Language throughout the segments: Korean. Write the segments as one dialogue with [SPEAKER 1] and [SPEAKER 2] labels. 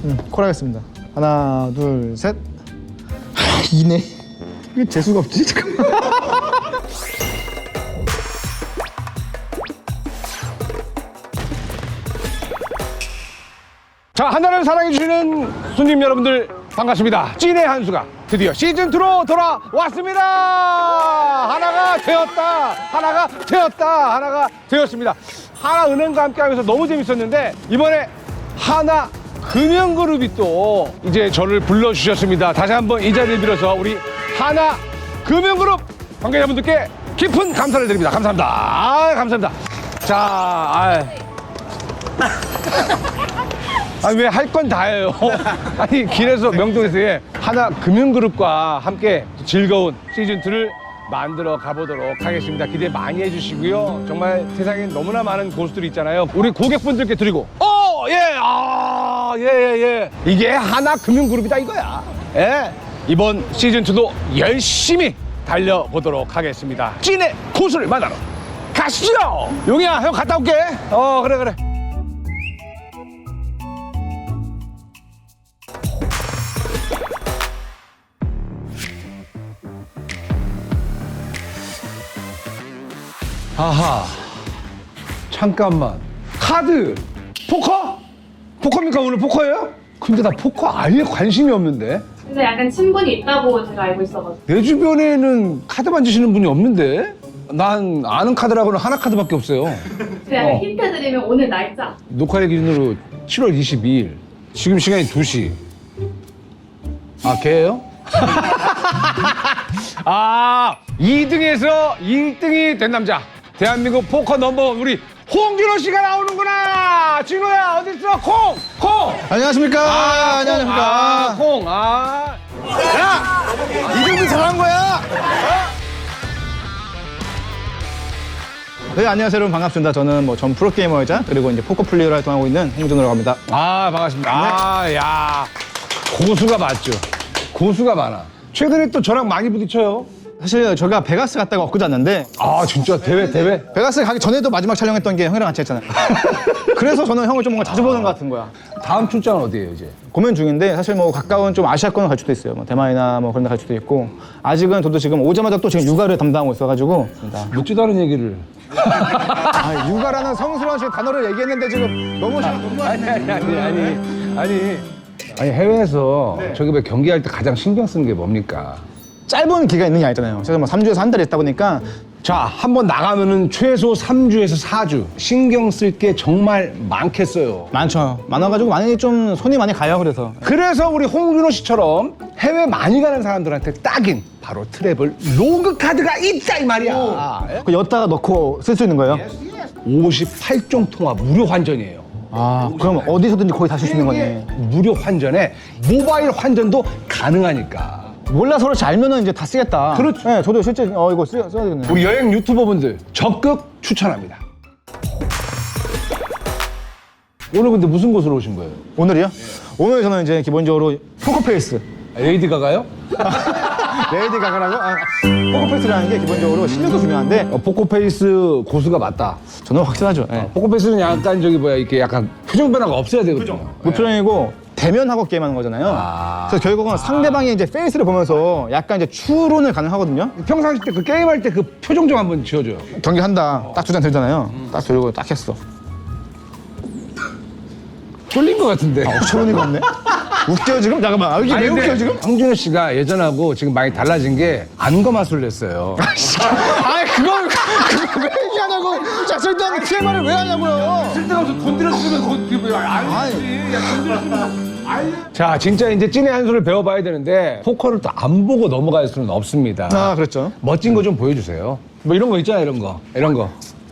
[SPEAKER 1] 콜 하겠습니다. 하나, 둘, 셋. 이네. 이게 재수가 없지? 잠깐만.
[SPEAKER 2] 자, 하나를 사랑해주시는 손님 여러분들 반갑습니다. 찐의 한수가 드디어 시즌2로 돌아왔습니다. 하나가 되었습니다. 하나은행과 함께 하면서 너무 재밌었는데 이번에 하나금융그룹이 또 이제 저를 불러주셨습니다. 다시 한번 이 자리를 빌어서 우리 하나금융그룹 관계자분들께 깊은 감사를 드립니다. 감사합니다. 감사합니다. 자, 왜 할 건 다 해요? 아니, 길에서 명동에서 하나금융그룹과 함께 즐거운 시즌2를 만들어 가보도록 하겠습니다. 기대 많이 해주시고요. 정말 세상에 너무나 많은 고수들이 있잖아요. 우리 고객분들께 드리고, 이게 하나금융그룹이다 이거야. 예. 이번 시즌2도 열심히 달려보도록 하겠습니다. 찐의 고수를 만나러 가시죠! 용이야, 형 갔다 올게. 그래. 아하, 잠깐만. 카드, 포커? 포커입니까? 오늘 포커예요? 근데 나 포커 아예 관심이 없는데?
[SPEAKER 3] 근데 약간 친분이 있다고 제가 알고 있어가지고.
[SPEAKER 2] 내 주변에는 카드 만지시는 분이 없는데? 난 아는 카드라고는 하나 카드밖에 없어요.
[SPEAKER 3] 제가 약간 힌트 드리면 오늘 날짜.
[SPEAKER 2] 녹화일 기준으로 7월 22일. 지금 시간이 2시. 아, 걔예요? 2등에서 1등이 된 남자. 대한민국 포커 넘버원 우리 홍준호 씨가 나오는구나. 진호야 어딨어? 콩.
[SPEAKER 1] 안녕하십니까. 안녕하십니까.
[SPEAKER 2] 콩. 야, 이 정도 잘한 거야.
[SPEAKER 1] 네, 안녕하세요, 여러분. 반갑습니다. 저는 전 프로게이머이자 그리고 이제 포커 플레이어로 활동하고 있는 홍준호라고 합니다.
[SPEAKER 2] 반갑습니다. 야, 고수가 맞죠. 고수가 많아. 최근에 또 저랑 많이 부딪혀요.
[SPEAKER 1] 사실 저희가 베가스 갔다가 엊그제 왔는데
[SPEAKER 2] 진짜 대회?
[SPEAKER 1] 베가스 가기 전에도 마지막 촬영했던 게 형이랑 같이 했잖아요. 그래서 저는 형을 좀 뭔가 자주 보는 것 같은 거야.
[SPEAKER 2] 다음 출장은 어디예요, 이제?
[SPEAKER 1] 고민 중인데 사실 가까운 좀 아시아권을 갈 수도 있어요. 대만이나 그런 데 갈 수도 있고 아직은 저도 지금 오자마자 또 지금 육아를 담당하고 있어가지고
[SPEAKER 2] 묻지도 않은 얘기를.
[SPEAKER 1] 육아라는 성스러운 단어를 얘기했는데 지금 너무
[SPEAKER 2] 아니 해외에서 저기 왜 경기할 때 가장 신경 쓰는 게 뭡니까?
[SPEAKER 1] 짧은 기가 있는 게 아니잖아요. 그래서 3주에서 한 달 있다 보니까
[SPEAKER 2] 자, 한번 나가면은 최소 3주에서 4주 신경 쓸 게 정말 많겠어요.
[SPEAKER 1] 많아가지고 많이 좀 손이 많이 가요. 그래서
[SPEAKER 2] 우리 홍준호 씨처럼 해외 많이 가는 사람들한테 딱인 바로 트래블 로그 카드가 있다 이 말이야.
[SPEAKER 1] 그 엿다가 넣고 쓸 수 있는 거예요.
[SPEAKER 2] 58종 통화 무료 환전이에요.
[SPEAKER 1] 그럼 어디서든지 거의 다 쓸 수 있는 거네.
[SPEAKER 2] 무료 환전에 모바일 환전도 가능하니까.
[SPEAKER 1] 몰라 서로 잘 알면은 이제 다 쓰겠다.
[SPEAKER 2] 그렇죠.
[SPEAKER 1] 네, 저도 실제 이거 써야 되겠네요.
[SPEAKER 2] 우리 여행 유튜버분들 적극 추천합니다. 오늘 근데 무슨 곳으로 오신 거예요?
[SPEAKER 1] 오늘이요? 오늘 저는 이제 기본적으로 포커페이스.
[SPEAKER 2] 레이디 가가요?
[SPEAKER 1] 레이디 가가라고? 포커페이스라는 게 기본적으로 실력도 중요한데
[SPEAKER 2] 포커페이스 고수가 맞다.
[SPEAKER 1] 저는 확실하죠. 네.
[SPEAKER 2] 포커페이스는 약간 이렇게 약간 표정 변화가 없어야 되거든요.
[SPEAKER 1] 무표정이고 대면하고 게임하는 거잖아요. 그래서 결국은 상대방의 이제 페이스를 보면서 약간 이제 추론을 가능하거든요.
[SPEAKER 2] 평상시 때 그 게임할 때 그 표정 좀 한번 지어줘요.
[SPEAKER 1] 경기한다. 딱 두 잔 들잖아요. 딱 들고 딱 했어.
[SPEAKER 2] 쫄린 것 같은데.
[SPEAKER 1] 초론이가 없네. 웃겨요 지금? 잠깐만. 이게 왜 웃겨요 지금?
[SPEAKER 2] 홍준호 씨가 예전하고 지금 많이 달라진 게 안거 마술을 냈어요.
[SPEAKER 1] 그걸 왜 얘기하냐고. 자, 쓸데없는 TMI를 왜 하냐고요.
[SPEAKER 2] 쓸데없어. 돈 들였으면 그거 알지. 돈 들였으면 자, 진짜 이제 찐의 한 수를 배워봐야 되는데 포커를 또 안 보고 넘어갈 수는 없습니다.
[SPEAKER 1] 그렇죠.
[SPEAKER 2] 멋진 거 좀 보여주세요. 뭐 이런 거 있잖아요, 이런 거.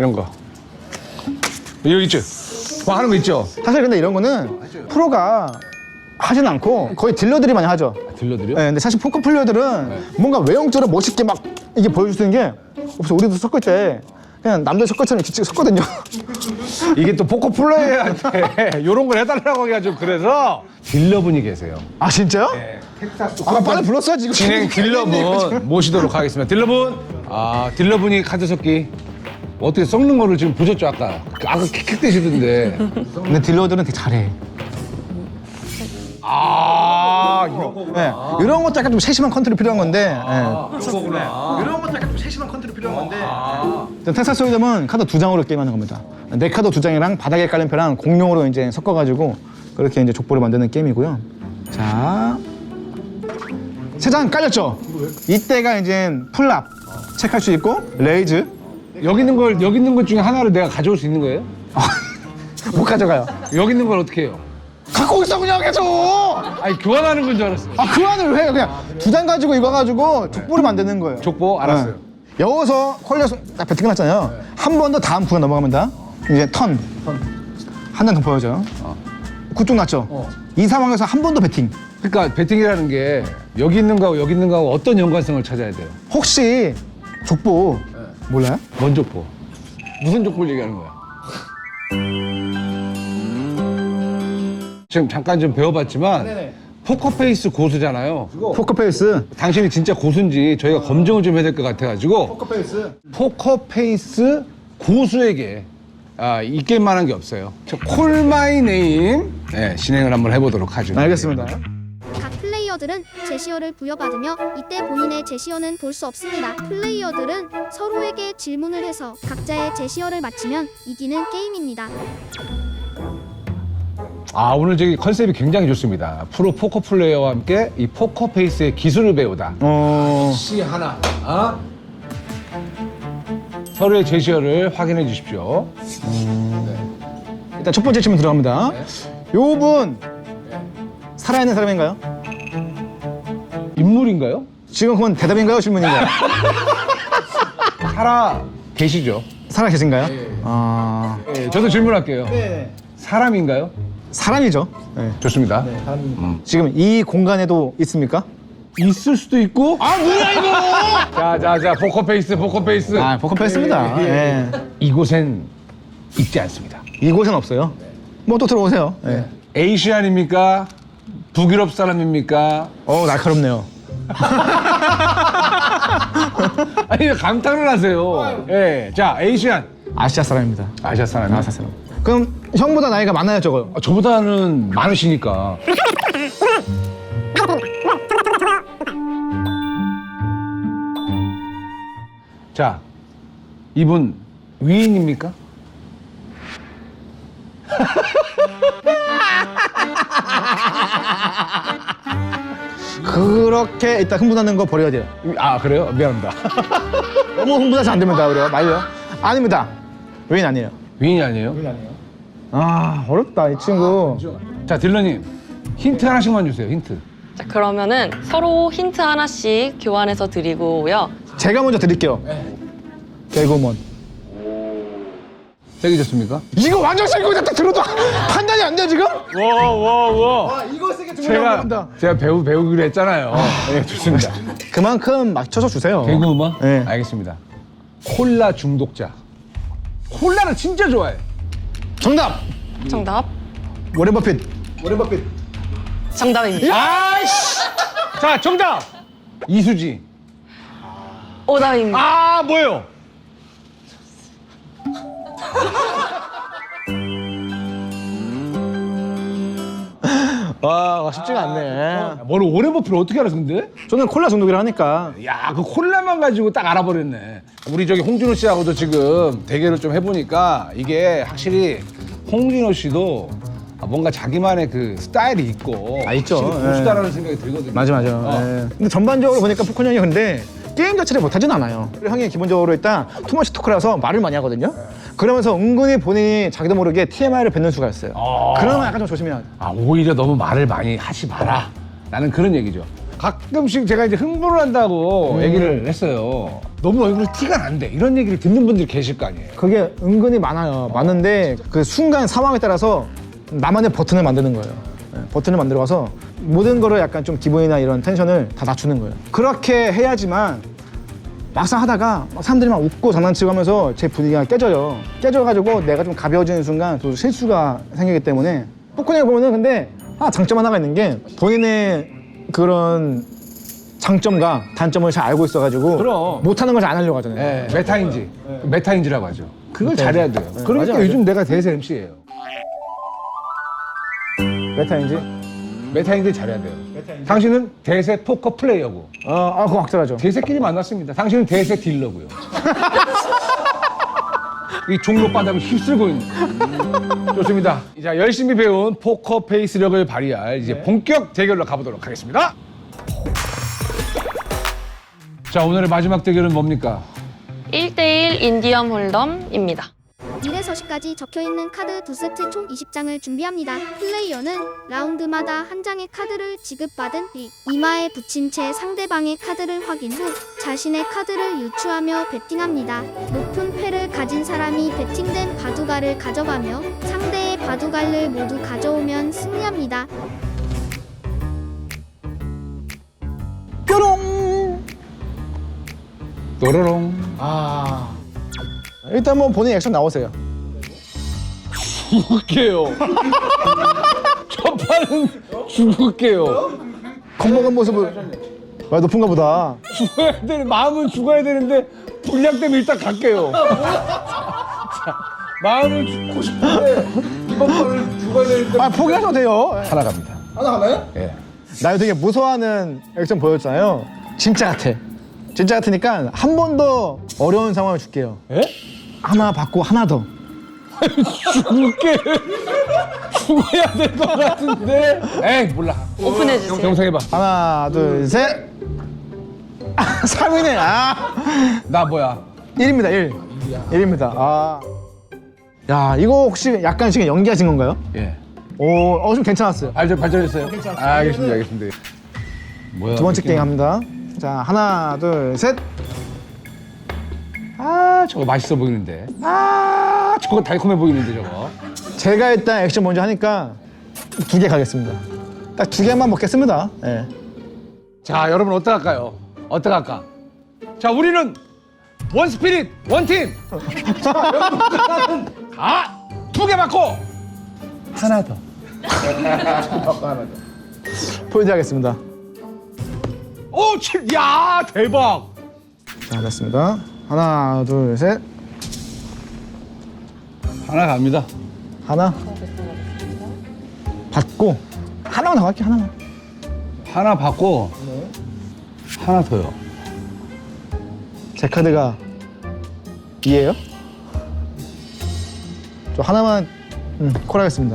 [SPEAKER 2] 여기 있죠? 하는 거 있죠?
[SPEAKER 1] 사실 근데 이런 거는 프로가 하진 않고 거의 딜러들이 많이 하죠.
[SPEAKER 2] 들려드려?
[SPEAKER 1] 네, 근데 사실 포커 플레이어들은 뭔가 외형적으로 멋있게 막 이게 보여줄 수 있는 게 없어. 우리도 섞을 때 그냥 남들 섞을처럼 이렇게 섞거든요.
[SPEAKER 2] 이게 또 포커 플레이어한테 이런 걸 해달라고 해가지고 그래서 딜러분이 계세요.
[SPEAKER 1] 아 진짜요?
[SPEAKER 2] 네, 텍사스
[SPEAKER 1] 빨리 불렀어야지. 이거.
[SPEAKER 2] 진행 딜러분 모시도록 하겠습니다. 딜러분, 딜러분이 카드 섞기 어떻게 섞는 거를 지금 보셨죠 아까 킥킥대시던데.
[SPEAKER 1] 근데 딜러들은 되게 잘해.
[SPEAKER 2] 아, 이런 거구나.
[SPEAKER 1] 네, 이런 것도 약간 좀 세심한 컨트롤이 필요한 건데.
[SPEAKER 2] 이런 거구나.
[SPEAKER 1] 이런 것도 약간 좀 세심한 컨트롤이 필요한 건데. 텍사스 홀덤은 카드 2장으로 게임하는 겁니다. 내 카드 2장이랑 바닥에 깔린 패랑 공룡으로 이제 섞어가지고 그렇게 이제 족보를 만드는 게임이고요. 자, 3장 깔렸죠? 이때가 이제 풀랍 체크할 수 있고 레이즈
[SPEAKER 2] 여기 있는 것 중에 하나를 내가 가져올 수 있는 거예요?
[SPEAKER 1] 못 가져가요.
[SPEAKER 2] 여기 있는 걸 어떻게 해요?
[SPEAKER 1] 갖고 있어 그냥 계속.
[SPEAKER 2] 아니, 교환하는 건 줄 알았어.
[SPEAKER 1] 그 안을 왜 해요? 그냥 2장 가지고 이거 가지고 족보를 만드는 거예요.
[SPEAKER 2] 족보? 알았어요.
[SPEAKER 1] 네. 여기서 콜려서 딱 배팅 끝났잖아요. 한 번 더 다음 구간 넘어갑니다. 이제 턴. 한 장 더 보여줘요. 굿쪽 났죠? 이 상황에서 한 번 더 배팅.
[SPEAKER 2] 그러니까 배팅이라는 게 여기 있는 거하고 여기 있는 거하고 어떤 연관성을 찾아야 돼요?
[SPEAKER 1] 혹시 족보 몰라요?
[SPEAKER 2] 뭔 족보? 무슨 족보를 얘기하는 거야? 지금 잠깐 좀 배워봤지만 포커페이스 고수잖아요.
[SPEAKER 1] 포커페이스.
[SPEAKER 2] 당신이 진짜 고수인지 저희가 검증을 좀 해야 될 것 같아가지고
[SPEAKER 1] 포커페이스.
[SPEAKER 2] 포커페이스 고수에게 이 게임만한 게 없어요. 콜 마이 네임 진행을 한번 해보도록 하죠.
[SPEAKER 1] 알겠습니다.
[SPEAKER 4] 각 플레이어들은 제시어를 부여받으며 이때 본인의 제시어는 볼 수 없습니다. 플레이어들은 서로에게 질문을 해서 각자의 제시어를 맞히면 이기는 게임입니다.
[SPEAKER 2] 오늘 저기 컨셉이 굉장히 좋습니다. 프로 포커 플레이어와 함께 이 포커페이스의 기술을 배우다. 시 하나. 서로의 제시어를 확인해 주십시오.
[SPEAKER 1] 일단 첫 번째 질문 들어갑니다. 요분 살아있는 사람인가요?
[SPEAKER 2] 인물인가요?
[SPEAKER 1] 지금 그건 대답인가요? 질문인가요?
[SPEAKER 2] 살아 계시죠?
[SPEAKER 1] 살아 계신가요?
[SPEAKER 2] 네, 저도 질문할게요. 사람인가요?
[SPEAKER 1] 사람이죠. 네.
[SPEAKER 2] 좋습니다.
[SPEAKER 1] 지금 이 공간에도 있습니까?
[SPEAKER 2] 있을 수도 있고. 뭐야 이거! 자, 포커페이스.
[SPEAKER 1] 포커페이스입니다. 네.
[SPEAKER 2] 이곳엔 있지 않습니다.
[SPEAKER 1] 이곳엔 없어요. 뭐 또 들어오세요. 네.
[SPEAKER 2] 에이시안입니까? 북유럽 사람입니까?
[SPEAKER 1] 날카롭네요.
[SPEAKER 2] 아니 왜 감탄을 하세요? 자, 에이시안.
[SPEAKER 1] 아시아 사람입니다.
[SPEAKER 2] 아시아 사람이요?
[SPEAKER 1] 아시아 사람. 그럼 형보다 나이가 많아요, 저거?
[SPEAKER 2] 저보다는 많으시니까. 자, 이분 위인입니까?
[SPEAKER 1] 그렇게 일단 흥분하는 거 버려야 돼요.
[SPEAKER 2] 그래요? 미안합니다.
[SPEAKER 1] 너무 흥분하시면 안 됩니다, 그래요. 말려. 아닙니다. 왜인 아니에요.
[SPEAKER 2] 위인이 아니에요?
[SPEAKER 1] 어렵다, 이 친구.
[SPEAKER 2] 자, 딜러님 힌트 하나씩만 주세요. 힌트.
[SPEAKER 5] 자, 그러면은 서로 힌트 하나씩 교환해서 드리고요.
[SPEAKER 1] 제가 먼저 드릴게요. 개구먼.
[SPEAKER 2] 세게 줬습니까?
[SPEAKER 1] 이거 완전 실고 딱 들어도 판단이 안 돼, 지금?
[SPEAKER 2] 와.
[SPEAKER 1] 이거 세게 주면
[SPEAKER 2] 제가 배우기로 했잖아요. 네, 좋습니다.
[SPEAKER 1] 그만큼 맞춰서 주세요.
[SPEAKER 2] 개그 음악?
[SPEAKER 1] 네.
[SPEAKER 2] 알겠습니다. 콜라 중독자. 콜라를 진짜 좋아해.
[SPEAKER 1] 정답!
[SPEAKER 5] 정답.
[SPEAKER 1] 워렌 버핏.
[SPEAKER 5] 정답입니다.
[SPEAKER 2] 아이씨! 자, 정답! 이수지.
[SPEAKER 5] 오답입니다.
[SPEAKER 2] 뭐예요?
[SPEAKER 1] 와, 쉽지가 않네.
[SPEAKER 2] 뭐를 오렌 버핏을 어떻게 알았어, 근데?
[SPEAKER 1] 저는 콜라 중독이라 하니까.
[SPEAKER 2] 야, 그 콜라만 가지고 딱 알아버렸네. 우리 저기 홍진호 씨하고도 지금 대결을 좀 해보니까 이게 확실히 홍진호 씨도 뭔가 자기만의 그 스타일이 있고
[SPEAKER 1] 있죠.
[SPEAKER 2] 확실히 고수다라는 생각이 들거든요.
[SPEAKER 1] 맞아. 예. 근데 전반적으로 보니까 포콘 형이 근데 게임 자체를 못하진 않아요. 형이 기본적으로 일단 투머치 토크라서 말을 많이 하거든요. 그러면서 은근히 본인이 자기도 모르게 TMI를 뱉는 수가 있어요. 그러면 약간 좀 조심해야 돼.
[SPEAKER 2] 오히려 너무 말을 많이 하지 마라. 라는 그런 얘기죠. 가끔씩 제가 이제 흥분을 한다고 얘기를 했어요. 너무 얼굴에 티가 난대. 이런 얘기를 듣는 분들이 계실 거 아니에요.
[SPEAKER 1] 그게 은근히 많아요. 많은데 그 순간 상황에 따라서 나만의 버튼을 만드는 거예요. 예, 버튼을 만들어서 모든 거를 약간 좀 기분이나 이런 텐션을 다 낮추는 거예요. 그렇게 해야지만 막상 하다가 막 사람들이 막 웃고 장난치고 하면서 제 분위기가 깨져요. 깨져가지고 내가 좀 가벼워지는 순간 또 실수가 생기기 때문에 포코닝을 보면은 근데 장점 하나가 있는 게 본인의 그런 장점과 단점을 잘 알고 있어가지고
[SPEAKER 2] 그럼.
[SPEAKER 1] 못하는 걸 잘 안 하려고 하잖아요.
[SPEAKER 2] 네, 메타인지. 메타인지라고 하죠. 그걸
[SPEAKER 1] 메타인지.
[SPEAKER 2] 잘해야 돼요. 그러니까
[SPEAKER 1] 맞아.
[SPEAKER 2] 요즘 내가 대세 MC예요.
[SPEAKER 1] 메타인지?
[SPEAKER 2] 메타인지 잘해야 돼요. 당신은 대세 포커 플레이어고
[SPEAKER 1] 그거 확실하죠.
[SPEAKER 2] 대세끼리 만났습니다. 당신은 대세 딜러고요. 이 종로 바닥을 휩쓸고 있는. 좋습니다. 자, 열심히 배운 포커 페이스력을 발휘할 이제 본격 대결로 가보도록 하겠습니다. 자, 오늘의 마지막 대결은 뭡니까?
[SPEAKER 5] 1대1 인디언 홀덤입니다.
[SPEAKER 4] 1에서 10까지 적혀있는 카드 2세트 총 20장을 준비합니다. 플레이어는 라운드마다 한 장의 카드를 지급받은 뒤 이마에 붙인 채 상대방의 카드를 확인 후 자신의 카드를 유추하며 배팅합니다. 높은 패를 가진 사람이 배팅된 바둑알을 가져가며 상대의 바둑알을 모두 가져오면 승리합니다.
[SPEAKER 1] 뾰롱.
[SPEAKER 2] 또로롱.
[SPEAKER 1] 일단 뭐 본인 액션 나오세요.
[SPEAKER 2] 죽을게요. 첫 판은 죽을게요.
[SPEAKER 1] 겁먹은 모습을. 와, 높은가 보다.
[SPEAKER 2] 죽어야 되는, 마음은 죽어야 되는데 분량 때문에 일단 갈게요. 자, 마음을 죽고 싶은데 이번 판을 죽어야 되는데
[SPEAKER 1] 포기하셔도 돼요.
[SPEAKER 2] 하나 갑니다.
[SPEAKER 1] 하나 가나요?
[SPEAKER 2] 예.
[SPEAKER 1] 나 되게 무서워하는 액션 보였잖아요. 진짜 같아. 진짜 같으니까 한 번 더 어려운 상황을 줄게요.
[SPEAKER 2] 예?
[SPEAKER 1] 하나 받고 하나 더.
[SPEAKER 2] 죽을게. 죽어야 될 것 같은데. 에이, 몰라.
[SPEAKER 5] 오픈해주세요.
[SPEAKER 2] 영상해봐.
[SPEAKER 1] 하나, 둘, 셋. 3위네.
[SPEAKER 2] 나 뭐야?
[SPEAKER 1] 1입니다, 1. 1입니다. 야, 이거 혹시 약간 지금 연기하신 건가요?
[SPEAKER 2] 예.
[SPEAKER 1] 좀 괜찮았어요.
[SPEAKER 2] 발전했어요? 알겠습니다, 알겠습니다. 뭐야?
[SPEAKER 1] 두 번째 게임 합니다. 자, 하나, 둘, 셋.
[SPEAKER 2] 저거 맛있어 보이는데. 저거 달콤해 보이는데, 저거.
[SPEAKER 1] 제가 일단 액션 먼저 하니까 2개 가겠습니다. 딱 2개만 먹겠습니다. 예.
[SPEAKER 2] 자, 여러분 어떡할까요? 어떡할까? 자, 우리는 원 스피릿, 원 팀. 자, 여러분 다 2개 받고 하나 더.
[SPEAKER 1] 포인트 하겠습니다.
[SPEAKER 2] 오, 야, 대박.
[SPEAKER 1] 자, 됐습니다. 하나, 둘, 셋.
[SPEAKER 2] 하나 갑니다.
[SPEAKER 1] 하나. 받고. 하나만 더 갈게요, 하나만.
[SPEAKER 2] 하나 받고 하나 더요.
[SPEAKER 1] 제 카드가 2예요? 저 하나만 콜하겠습니다.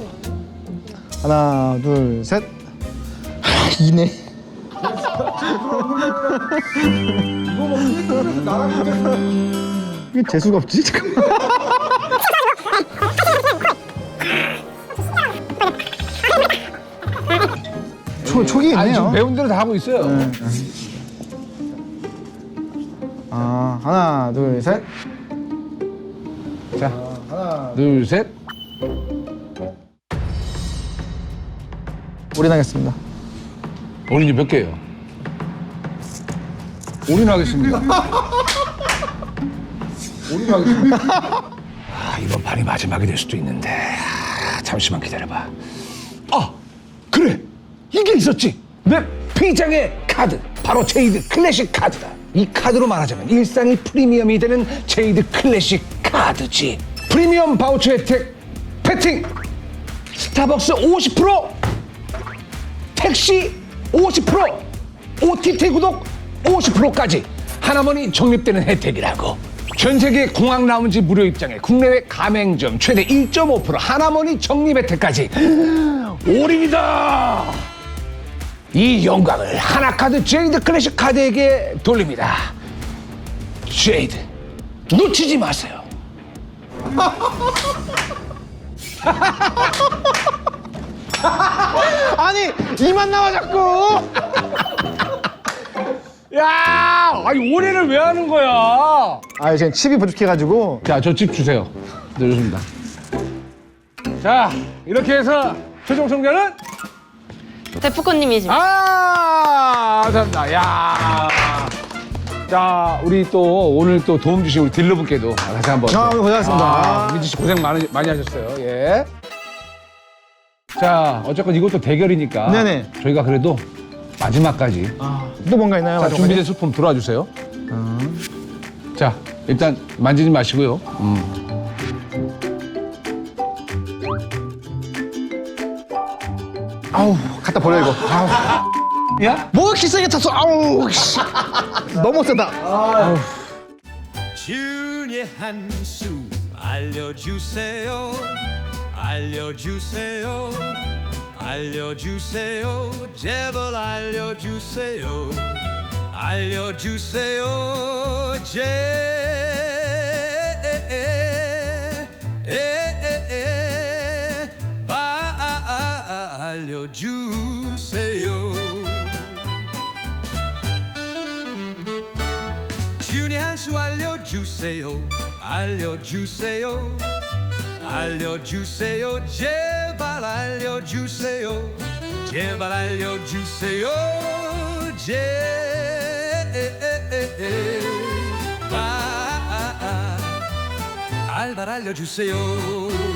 [SPEAKER 1] 하나, 둘, 셋. 2네. 이게 재수가 없지? 잠깐만. 촉이
[SPEAKER 2] 아니, 지금
[SPEAKER 1] 있네요.
[SPEAKER 2] 배운 대로 다 하고 있어요.
[SPEAKER 1] 하나, 둘, 셋.
[SPEAKER 2] 자, 하나, 둘, 셋.
[SPEAKER 1] 올인하겠습니다.
[SPEAKER 2] 올인이 몇 개예요? 올인하겠습니다. 올인하겠습니다. 이번 판이 마지막이 될 수도 있는데 잠시만 기다려봐. 그래, 이게 있었지. 내 피장의 카드, 바로 제이드 클래식 카드다. 이 카드로 말하자면 일상이 프리미엄이 되는 제이드 클래식 카드지. 프리미엄 바우처 혜택, 패팅, 스타벅스 50%, 택시 50%, OTT 구독 50%까지 하나만이 적립되는 혜택이라고. 전 세계 공항 라운지 무료 입장에 국내외 가맹점 최대 1.5% 하나만이 적립 혜택까지. 올인이다. 이 영광을 하나카드 제이드 클래식 카드에게 돌립니다. 제이드, 놓치지 마세요.
[SPEAKER 1] 아니, 이만 나와 자꾸.
[SPEAKER 2] 야, 아니 올인을 왜 하는 거야?
[SPEAKER 1] 지금 칩이 부족해가지고.
[SPEAKER 2] 자, 저 집 주세요. 네, 좋습니다. 자, 이렇게 해서 최종 승자는
[SPEAKER 5] 데프콘님이십니다.
[SPEAKER 2] 감사합니다. 야, 자, 우리 또 오늘 또 도움 주신 우리 딜러분께도 다시 한번.
[SPEAKER 1] 오늘 고생하셨습니다.
[SPEAKER 2] 민지 씨 고생 많이 하셨어요. 예. 자, 어쨌건 이것도 대결이니까.
[SPEAKER 1] 네네.
[SPEAKER 2] 저희가 그래도 마지막까지.
[SPEAKER 1] 또 뭔가 있나요?
[SPEAKER 2] 자, 준비된 소품 들어와 주세요. 자, 일단 만지지 마시고요.
[SPEAKER 1] 아우 갖다 버려 이거. 아우.
[SPEAKER 2] 야?
[SPEAKER 1] 뭐 이렇게 세게 찼어? 아우 씨. 너무 세다. 아우.
[SPEAKER 6] 준의 한 수 알려주세요 알려주세요 알려주세요 제발 알려주세요 알려주세요 알려주세요 준의 한 수 알려주세요 알려주세요 알려주세요 제발 알려주세요 제발 알려주세요 제발 알려주세요